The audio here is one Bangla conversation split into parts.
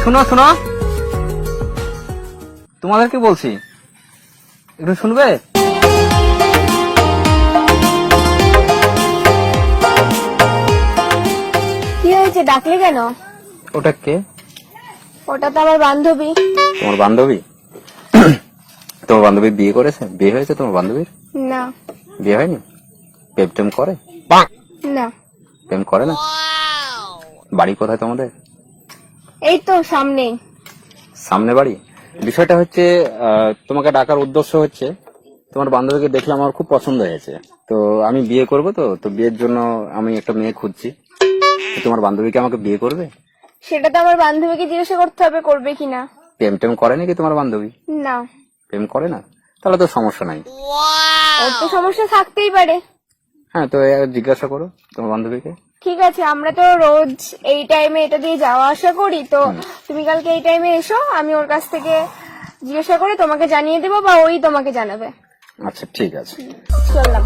শোনো শোনো, তোমাদেরকে বলছি, একটু শুনবে? কি হয়েছে, ডাকলে কেন? ওটা কে? ওটা তো আমার বান্ধবী। তোমার বান্ধবী? তোমার বান্ধবী বিয়ে করেছে? বিয়ে হয়েছে তোমার বান্ধবীর? না। বিয়ে হয়নি? প্রেম টেম করে? না। প্রেম করে না? বাড়ি কোথায় তোমাদের? এই তো সামনে। সামনে বাড়ি? বিষয়টা হচ্ছে তোমাকে ডাকার উদ্দেশ্য হচ্ছে, তোমার বান্ধবীকে দেখলে আমার খুব পছন্দ হয়েছে, তো আমি বিয়ে করবো, তো বিয়ের জন্য আমি একটা মেয়ে খুঁজছি। তো তোমার বান্ধবীকে আমাকে বিয়ে করবে? সেটা তো আমার বান্ধবীকে জিজ্ঞাসা করতে হবে করবে কিনা। প্রেম টেম করে নাকি তোমার বান্ধবী? না। প্রেম করে না? তাহলে তো সমস্যা নাই। ওর তো সমস্যা থাকতেই পারে। হ্যাঁ, তো জিজ্ঞাসা করো তোমার বান্ধবীকে। ঠিক আছে, আমরা তো রোজ এই টাইমে এটা দিয়ে যাওয়া আসা করি, তো তুমি কালকে এই টাইমে এসো, আমি ওর কাছ থেকে জিজ্ঞাসা করে তোমাকে জানিয়ে দেবো, বা ওই তোমাকে জানাবে। আচ্ছা ঠিক আছে, চললাম।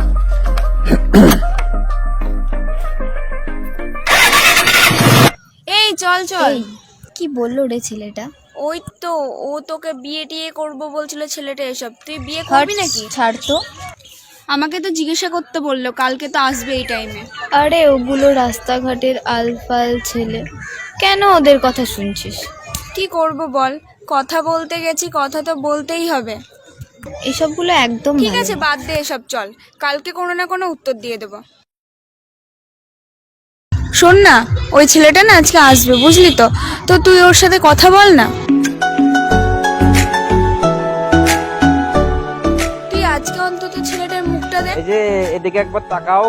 এই চল চল। কি বললো রে ছেলেটা? ওই তো ও তোকে বিয়ে টিয়ে করবো বলছিল ছেলেটা, এসব তুই বিয়ে করবি নাকি? ছাড় তো। আমাকে তো জিজ্ঞাসা করতে বললো, কালকে তো আসবে এই টাইমে। আরে ওগুলো রাস্তাঘাটের আলফাল ছেলে, কেন ওদের কথা শুনছিস? কি করব বল, কথা বলতে গেছি, কথা তো বলতেই হবে। এসবগুলো একদম ঠিক ভালো আছে, না। বাদ দে এসব, চল কালকে কোনো না কোনো উত্তর দিয়ে দেবো। শোন না, ওই ছেলেটা না আজকে আসবে, বুঝলি তো, তো তুই ওর সাথে কথা বল না। তুই আজকে অন্তত ছেলেটার মুখটা দেখ। এই যে এদিকে একবার তাকাও।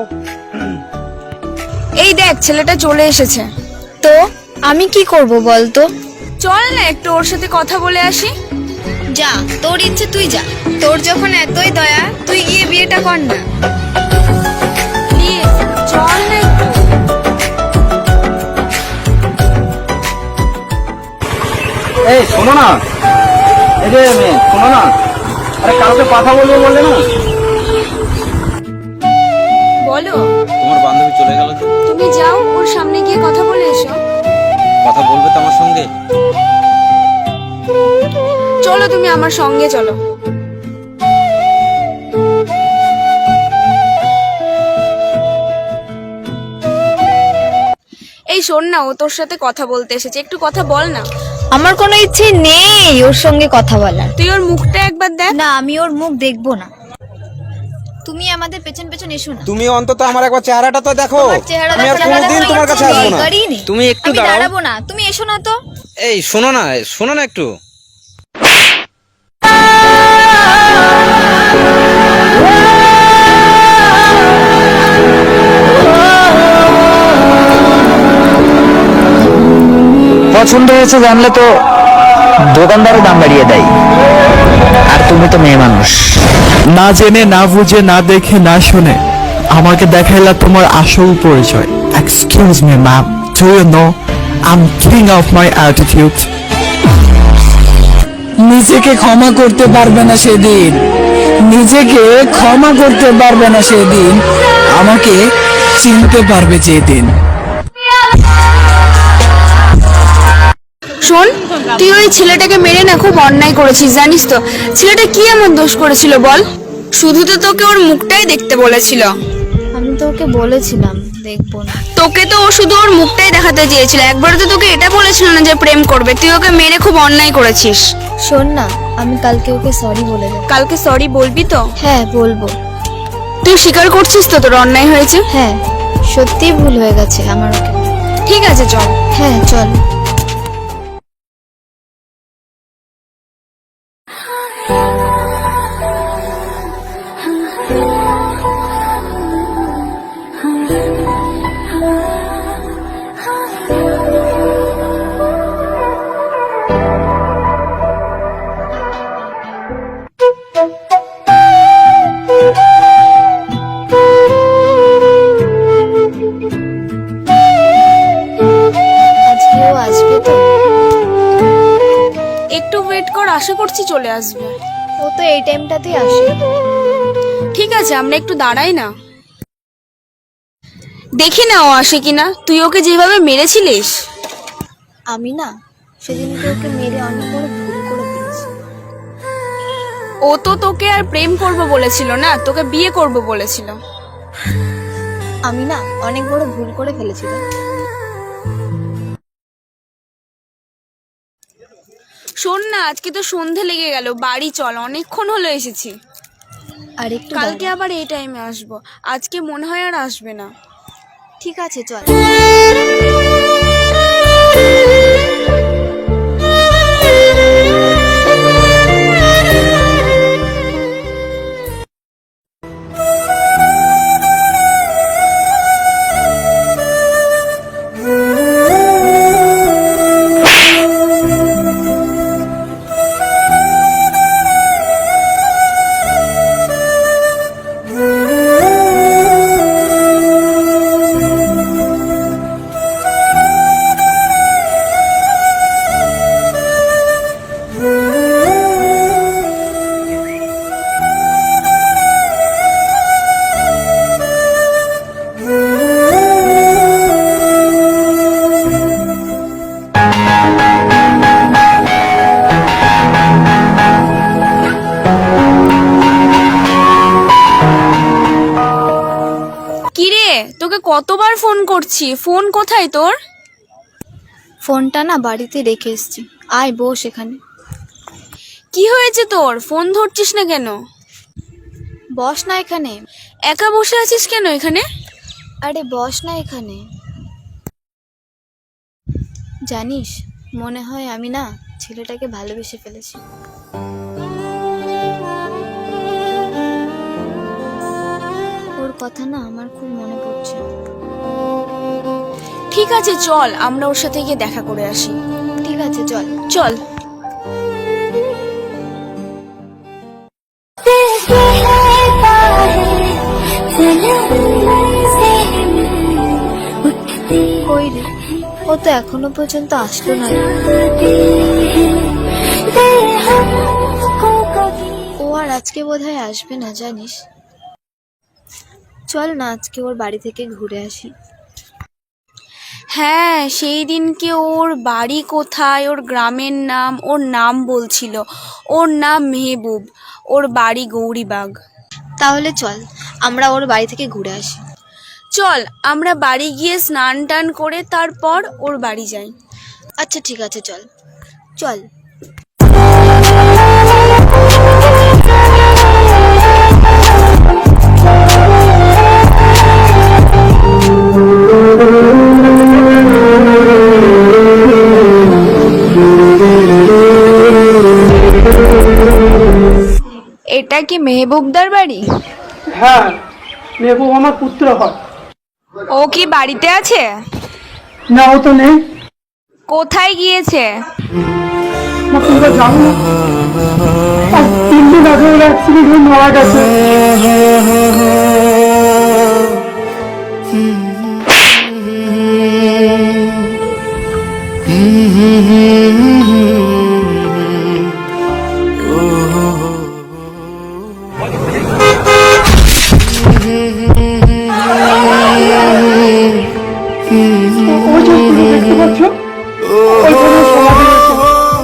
এই দেখ, ছেলেটা চলে এসেছে। তো আমি কি করব বলতো? চল না একটু ওর সাথে কথা বলে আসি। যা, তোর ইচ্ছে তুই যা। তোর যখন এতই দয়া, তুই গিয়ে বিয়েটা কর না। প্লিজ চল না একটু। এই শোনো না, এই যে মেয়ে শোনো না, আরে কালকে কথা বলবো বললে না? বলো। তোমার বান্ধবী চলে গেল তো? তুমি যাও, ওর সামনে গিয়ে কথা বলে এসো। কথা বলবে তো আমার সঙ্গে? চলো তুমি আমার সঙ্গে চলো। এই শোন না, ও তোর সাথে কথা বলতে এসেছে, একটু কথা বল না। আমার কোনো ইচ্ছে নেই ওর সঙ্গে কথা বলার। তুই ওর মুখটা একবার দেখ। না, আমি ওর মুখ দেখবো না। তুমি আমাদের পেছন পেছন এসো না। তুমি অন্তত আমার একবার চেহারাটা তো দেখো। তোমার চেহারা আমি আর দেখার কোনোদিন কোনো তোমার ইচ্ছে কাছে আসবো নেই, না। গাড়ি নেই। তুমি একটু আমি দাঁড়াও। দাঁড়াবো না, তুমি এসো না তো। এই শোনো না, শোনো না একটু। পছন্দ হয়েছে জানলে তো দোকানদারও দাম বাড়িয়ে দেয়, আর তুমি তো মেয়ে মানুষ। না জেনে, না বুঝে, না দেখে, না শুনে আমাকে দেখাইলা তোমার আসল পরিচয়। Excuse me ma'am, do you know I am king of my attitude. নিজেকে ক্ষমা করতে পারবে না সেদিন, নিজেকে ক্ষমা করতে পারবে না সেদিন, আমাকে চিনতে পারবে যেদিন। শোন, তুই ওই ছেলেটাকে মেরে না খুব অন্যায় করেছিস, জানিস তো? ছেলেটা কি এমন দোষ করেছিল বল? শুধু তো তোকে ওর মুখটাই দেখতে বলেছিল। আমি তো ওকে বলেছিলাম দেখবো না। তোকে তো ও শুধু ওর মুখটাই দেখাতে চেয়েছিল, একবার তো তোকে এটা বলেছিল না যে প্রেম করবে। তুই ওকে মেরে খুব অন্যায় করেছিস। শোন না, আমি কালকে ওকে সরি বলে দেবো। কালকে সরি বলবি তো? হ্যাঁ বলবো। তুই স্বীকার করছিস তো তোর অন্যায় হয়েছে? হ্যাঁ, সত্যিই ভুল হয়ে গেছে আমার ওকে। ঠিক আছে চল। হ্যাঁ চল। আজকেও আসবে তো? একটু ওয়েট কর, আশা করছি চলে আসবে। ও তো এই টাইমটাতেই আসে। ঠিক আছে, আমরা একটু দাঁড়াই না, দেখি না ও আসে কিনা। তুই ওকে যেভাবে মেরেছিলিস। আমি না সেদিনকে ওকে মেরে অনেক বড় ভুল করে ফেলেছি। ও তো তোকে আর প্রেম করব বলেছিল না, তোকে বিয়ে করব বলেছিল। আমি না অনেক বড় ভুল করে ফেলেছিলাম। শোন না, আজকে তো সন্ধে লেগে গেল, বাড়ি চল, অনেকক্ষণ হলো এসেছি। আর একটু কালকে দাঁড়া। আবার এই টাইমে আসবো, আজকে মনে হয় আর আসবে না। ঠিক আছে চল। কিরে, তোকে কতবার ফোন করছি, ফোন কোথায় তোর? ফোনটা না বাড়িতে রেখে এসেছি, আয় বস এখানে। কি হয়েছে তোর, ফোন ধরছিস না কেন? বস না এখানে। একা বসে আছিস কেন এখানে? আরে বস না এখানে। জানিস, মনে হয় আমি না ছেলেটাকে ভালোবেসে ফেলেছি। ওর কথা না আমার খুব মনে পড়ছে। ঠিক আছে চল, আমরা ওর সাথে গিয়ে দেখা করে আসি। ঠিক আছে চল। চল। কই রে, ও তো এখনো পর্যন্ত আসলো না। ও আর আজকে বোধহয় আসবে না জানিস। চল না আজকে ওর বাড়ি থেকে ঘুরে আসি। হ্যাঁ, সেই দিনকে ওর বাড়ি কোথায়, ওর গ্রামের নাম, ওর নাম বলছিল। ওর নাম মেহবুব, ওর বাড়ি গৌরীবাগ। তাহলে চল আমরা ওর বাড়ি থেকে ঘুরে আসি। চল, আমরা বাড়ি গিয়ে স্নান টান করে তারপর ওর বাড়ি যাই। আচ্ছা ঠিক আছে চল চল। এটা কি মেহবুবদার বাড়ি? হ্যাঁ, মেহবুব আমার পুত্র হয়। ও কি বাড়িতে আছে? না, ও তো নেই। কোথায় গিয়েছে? না, তোমরা জানো না? আর 3 দিন আগে ওর অ্যাক্সিডেন্ট হয়ে মারা গেছে। ওই যে তুমি দেখতে পাচ্ছ, ওইখানে সমাধি রয়েছে।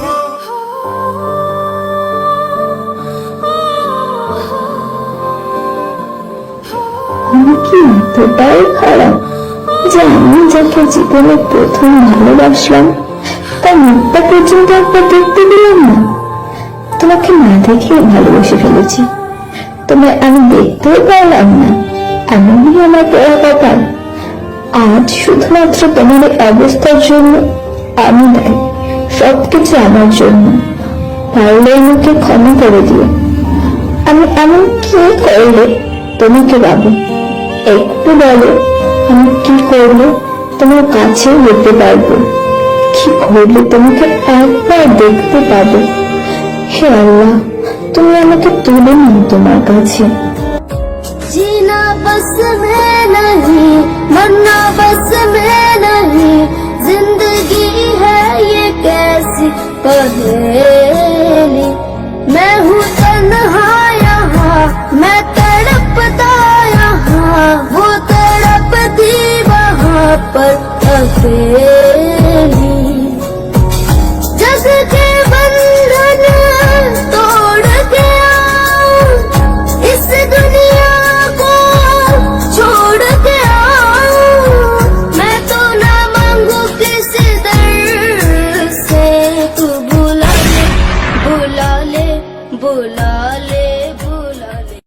আমি কি এতটাই খারাপ যে আমি যাকে জীবনে প্রথম ভালোবাসলাম তার মুখটা পর্যন্ত একবার দেখতে দিলাম না? তোমাকে না দেখে ভালোবেসে ফেলেছি, তোমায় আমি দেখতেও পারলাম না। এমনই আমার পড়া কপাল। আজ শুধুমাত্র তোমার এই অবস্থার জন্য আমি দায়ী, সবকিছু আমার জন্য। পারলে আমাকে ক্ষমা করে দিও। আমি এমন কি করলে তোমাকে পাবো? একটু বলো, আমি কি করলে তোমার কাছে যেতে পারবো? কি করলে তোমাকে একবার দেখতে পাবো? হে আল্লাহ, তুমি আমাকে তুলে নিও তোমার কাছে। जीना बस में नहीं, मरना बस में नहीं, जिंदगी है ये कैसी पहेली। मैं हूँ तन्हा यहाँ, मैं तड़पता यहाँ, वो तड़पती वहाँ पर अकेली।